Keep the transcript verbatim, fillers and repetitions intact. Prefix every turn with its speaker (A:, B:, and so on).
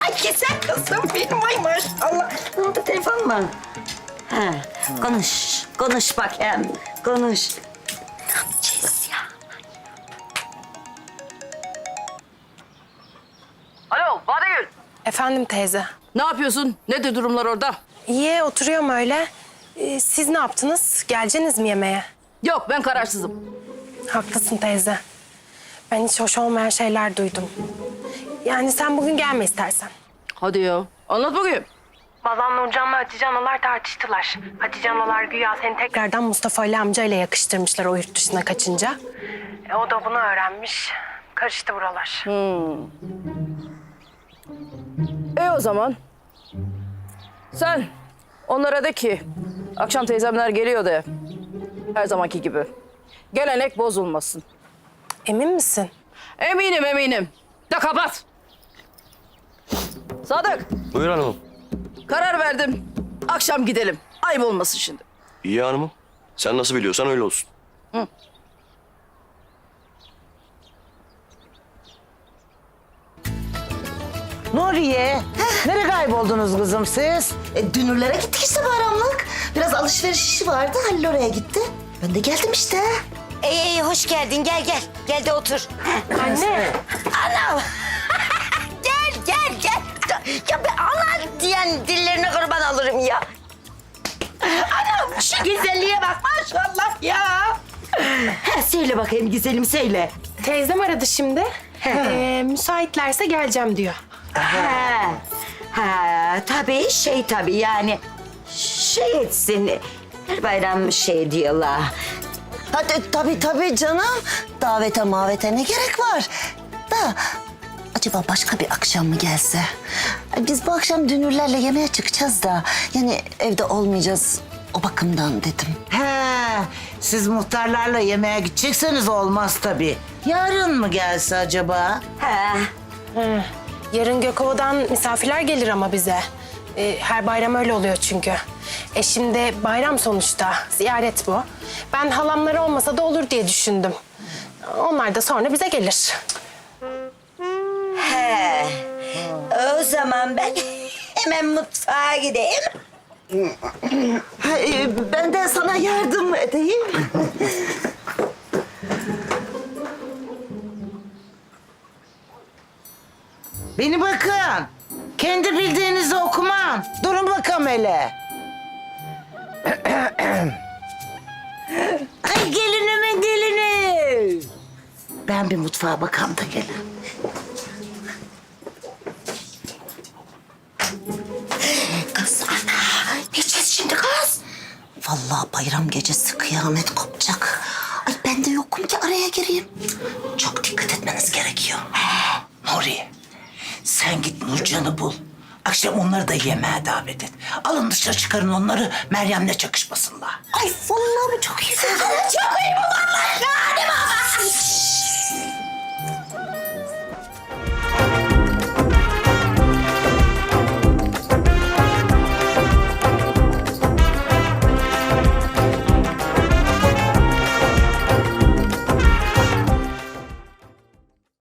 A: güzel kızım benim, ay maşallah. Ne oldu, telefon mu? Ha, konuş, konuş bakayım, konuş. Ne yapacağız ya?
B: Alo, Badegül.
C: Efendim teyze.
B: Ne yapıyorsun? Nedir durumlar orada?
C: İyi, oturuyorum öyle. Ee, siz ne yaptınız? Geleceksiniz mi yemeğe?
B: Yok, ben kararsızım.
C: Haklısın teyze. Ben hiç hoş olmayan şeyler duydum. Yani sen bugün gelme istersen.
B: Hadi ya, anlat bakayım.
C: Babam Nurcan'la Hatice analar tartıştılar. Hatice analar güya seni tekrardan Mustafa Ali amcayla yakıştırmışlar o yurt dışına kaçınca. E, o da bunu öğrenmiş. Karıştı buralar.
B: E o zaman sen onlara de ki akşam teyzemler geliyor de her zamanki gibi. Gelenek bozulmasın.
C: Emin misin?
B: Eminim eminim. De kapat. Sadık,
D: Buyur hanımım.
B: karar verdim. Akşam gidelim. Ayıp olmasın şimdi.
D: İyi hanımım. Sen nasıl biliyorsan öyle olsun.
E: Nuriye, nereye kayboldunuz kızım siz?
A: E, dünürlere gittik işte bayramlık. Biraz alışveriş işi vardı, Halil oraya gitti. Ben de geldim işte. İyi iyi, hoş geldin, gel gel. Gel de otur.
C: Anne.
A: Anam. Gel gel gel. Ya ben ana diyen dillerine kurban alırım ya. Anam şu güzelliğe bak maşallah ya. Ha, söyle bakayım güzelim, söyle.
C: Teyzem aradı şimdi. Ee, müsaitlerse geleceğim diyor.
A: Ha, ha tabii şey tabii yani şey etsin. Her bayram şey diyorlar. Hadi tabii tabii canım. Davete mavete ne gerek var? Da acaba başka bir akşam mı gelse? Biz bu akşam dünürlerle yemeğe çıkacağız da yani evde olmayacağız. O bakımdan dedim.
E: He, siz muhtarlarla yemeğe gidecekseniz olmaz tabii. Yarın mı gelse acaba?
A: Ha.
C: Hı. Yarın Gökova'dan misafirler gelir ama bize. Ee, her bayram öyle oluyor çünkü. E şimdi bayram sonuçta, ziyaret bu. Ben halamlar olmasa da olur diye düşündüm. Onlar da sonra bize gelir.
A: He. O zaman ben hemen mutfağa gideyim. Ha, e, ben de sana yardım edeyim.
E: Beni bakın. Kendi bildiğinizi okuman. Durun bakalım hele. Ay gelinimin gelini. Ben bir mutfağa bakam da gelin.
A: Kız ana, ne yiyeceğiz şimdi kız? Vallahi bayram gecesi kıyamet kopacak. Ay ben de yokum ki araya gireyim. Çok dikkat etmeniz gerekiyor.
F: Nuri, sen git Nurcan'ı bul. Akşam onları da yemeğe davet et. Alın dışarı çıkarın onları, Meryem'le çakışmasınlar.
A: Ay vallahi bu çok iyi fikir. Çok iyi bu vallahi. Hadi baba.